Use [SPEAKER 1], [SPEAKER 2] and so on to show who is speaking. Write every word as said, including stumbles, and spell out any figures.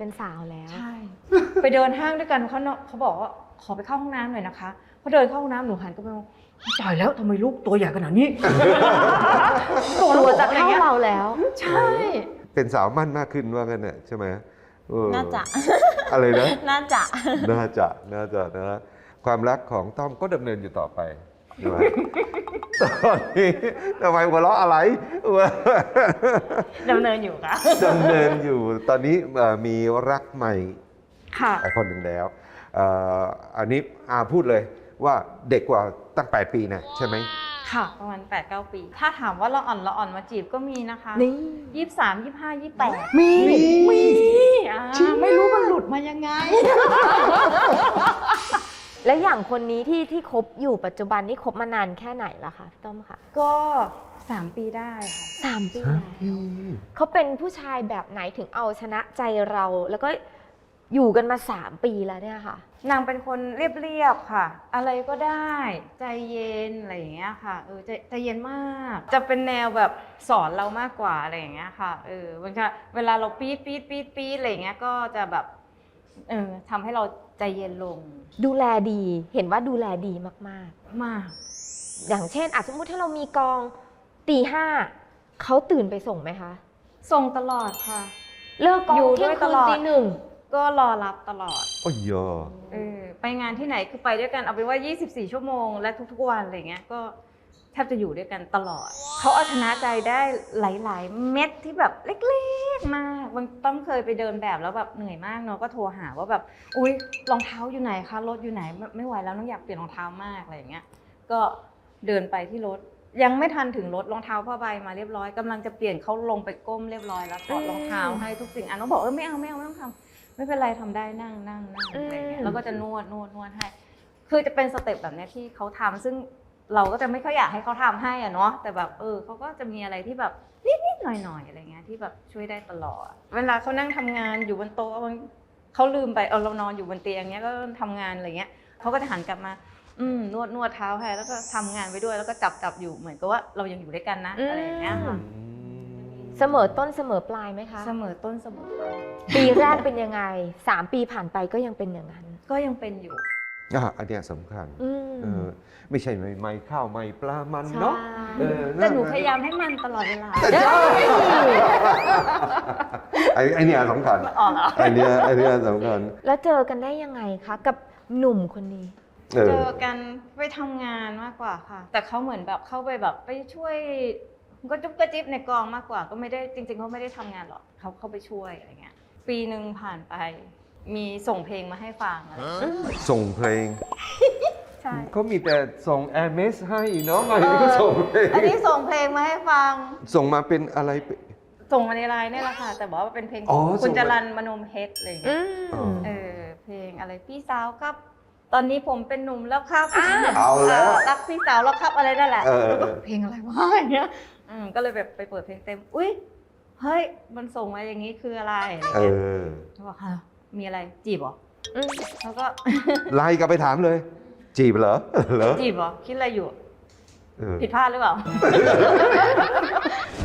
[SPEAKER 1] เป็นสาวแล้ว
[SPEAKER 2] ใช่ไปเดินห้างด้วยกันเขาเนาะเขาบอกว่าขอไปเข้าห้องน้ำหน่อยนะคะพอเดินเข้าห้องน้ำหนูหันก็ไปมองตายแล้วทำไมลูกตัวใหญ่ขนาดนี้
[SPEAKER 1] ตัวจะเท่าเราแล้ว
[SPEAKER 2] ใช่
[SPEAKER 3] เป็นสาวมั่นมากขึ้นว่ากันเนี่ยใช่ไหม
[SPEAKER 4] น่าจะ
[SPEAKER 3] อะไรนะ
[SPEAKER 4] น่าจะ
[SPEAKER 3] น่าจะน่าจะนะความรักของต้อมก็ดำเนินอยู่ต่อไปใช่ไหมตอนนี้ทำไมหัวเราะอะไร
[SPEAKER 2] ดำเนินอยู่ค่ะ
[SPEAKER 3] ดำเนินอยู่ตอนนี้มีรักใหม่
[SPEAKER 2] ค่ะ
[SPEAKER 3] คนหนึ่งแล้วอันนี้อาพูดเลยว่าเด็กกว่าตั้งแปดปีนะใช่ไหม
[SPEAKER 2] ค่ะประมาณ แปดเก้า ปีถ้าถามว่าละอ่อนละอ่อนมาจีบก็มีนะคะ
[SPEAKER 1] นี่
[SPEAKER 2] ยี่สิบสาม ยี่สิบห้า ยี่สิบแปด
[SPEAKER 1] มี
[SPEAKER 2] มีไม่รู้มันหลุดมายังไง
[SPEAKER 1] และอย่างคนนี้ที่ที่คบอยู่ปัจจุบันนี่คบมานานแค่ไหนละคะพี่ต้อมคะ
[SPEAKER 2] ก็สามปีได้ค่ะ
[SPEAKER 1] สามปีแล้วเขาเป็นผู้ชายแบบไหนถึงเอาชนะใจเราแล้วก็อยู่กันมาสามปีแล้วเนี่ยค่ะ
[SPEAKER 2] นางเป็นคนเรียบๆค่ะอะไรก็ได้ใจเย็นอะไรอย่างเงี้ยค่ะเออใจใจเย็นมากจะเป็นแนวแบบสอนเรามากกว่าอะไรอย่างเงี้ยค่ะเออบางทีเวลาเราปี๊ดปี๊ดปี๊ดปี๊ดอะไรอย่างเงี้ยก็จะแบบเออทำให้เราใจเย็นลง
[SPEAKER 1] ดูแลดีเห็นว่าดูแลดีมากๆ
[SPEAKER 2] มาก
[SPEAKER 1] อย่างเช่นสมมติถ้าเรามีกองตีห้าเขาตื่นไปส่งไหมคะ
[SPEAKER 2] ส่งตลอดค่ะ
[SPEAKER 1] เลิกกองเที่ยงคืนตีหนึ่ง
[SPEAKER 2] ก็รอรับตลอด
[SPEAKER 3] โอ้ย
[SPEAKER 2] เออไปงานที่ไหนคือไปด้วยกันเอาเป็นว่ายี่สิบสี่ชั่วโมงและทุกๆวันอะไรเงี้ยก็แทบจะอยู่ด้วยกันตลอดเขาเอาชนะใจได้หลายๆเม็ดที่แบบเล็กๆมากบางต้อมเคยไปเดินแบบแล้วแบบเหนื่อยมากเนาะก็โทรหาว่าแบบอุ๊ยรองเท้าอยู่ไหนคะรถอยู่ไหนไม่ไหวแล้วน้องอยากเปลี่ยนรองเท้ามากอะไรอย่างเงี้ยก็เดินไปที่รถยังไม่ทันถึงรถรองเท้าผ้าใบมาเรียบร้อยกำลังจะเปลี่ยนเขาลงไปก้มเรียบร้อยแล้วถอดรองเท้าให้ทุกสิ่งอันน้องบอกเออไม่เอาไม่เอาไม่ต้องทำไม่เป็นไรทำได้นั่งนั่งนั่งอะไรเงี้ยแล้วก็จะนวดนวดนวดให้คือจะเป็นสเต็ปแบบนี้ที่เขาทำซึ่งเราก็จะไม่ค่อยอยากให้เขาทำให้อะเนาะแต่แบบเออเขาก็จะมีอะไรที่แบบนิดๆหน่อยๆอะไรเงี้ยที่แบบช่วยได้ตลอดเวลาเขานั่งทำงานอยู่บนโต๊ะเขาลืมไปเออเรานอนอยู่บนเตียงเงี้ยก็ทำงานอะไรเงี้ยเขาก็จะหันกลับมาอืมนวดนวดเท้าให้แล้วก็ทำงานไปด้วยแล้วก็จับจับอยู่เหมือนกับว่าเรายังอยู่ด้วยกันนะอะไรอย่างเงี้ยค่ะ
[SPEAKER 1] เสมอต้นเสมอปลายไหมคะ
[SPEAKER 2] เสมอต้นเสมอปลาย
[SPEAKER 1] ปีแรกเป็นยังไงสามปีผ่านไปก็ยังเป็นอย่างนั้น
[SPEAKER 2] ก็ยังเป็นอยู่
[SPEAKER 3] อ่ะอันนี้สำคัญเออไม่ใช่ไม่ไม่ข้าวไม่ปลามันเนาะ
[SPEAKER 2] แต่หนูพยายามให้มันตลอดเวลา
[SPEAKER 3] ไอ้ไอ้นี่สำคัญไอ้นี่ไอ้นี่สำคัญ
[SPEAKER 1] แล้วเจอกันได้ยังไงคะกับหนุ่มคนนี้
[SPEAKER 2] เจอกันไปทำงานมากกว่าค่ะแต่เขาเหมือนแบบเข้าไปแบบไปช่วยก็จุ๊บกระจิ๊บในกองมากกว่าก็ไม่ได้จริงๆเขาไม่ได้ทำงานหรอกเขาเข้าไปช่วยอะไรเงี้ยปีหนึ่งผ่านไปมีส่งเพลงมาให้ฟังอะไร
[SPEAKER 3] ส่งเพลง
[SPEAKER 2] ใช่
[SPEAKER 3] เขามีแต่ส่งแอร์เมสให้เนาะอันนี้ก็ส่งเพลง
[SPEAKER 2] อันนี้ส่งเพลงมาให้ฟัง
[SPEAKER 3] ส่งมาเป็นอะไร
[SPEAKER 2] ส่งมาในไลน์นี่แหละค่ะแต่บอกว่าเป็นเพลงของคุณจรัญมโนมเพชรอะไรเงี้ยเออเพลงอะไรพี่สาวครับตอนนี้ผมเป็นหนุ่มแล้วครับ
[SPEAKER 3] เอาแล้ว
[SPEAKER 2] รักพี่สาวแล้วครับอะไรนั่นแหละเพลงอะไรวะอย่างเงี้ยก็เลยแบบไปเปิดเพลงเต็มอุ้ยเฮ้ยมันส่งมาอย่างนี้คืออะไรอะไรเงี้ยเขาบอกค่ะมีอะไรจีบเหรอแล้วก็
[SPEAKER 3] ไล่กลับไปถามเลยจีบเหรอเหรอ
[SPEAKER 2] จีบเหรอคิดอะไรอยู่ผิดพลาดหรือเปล่า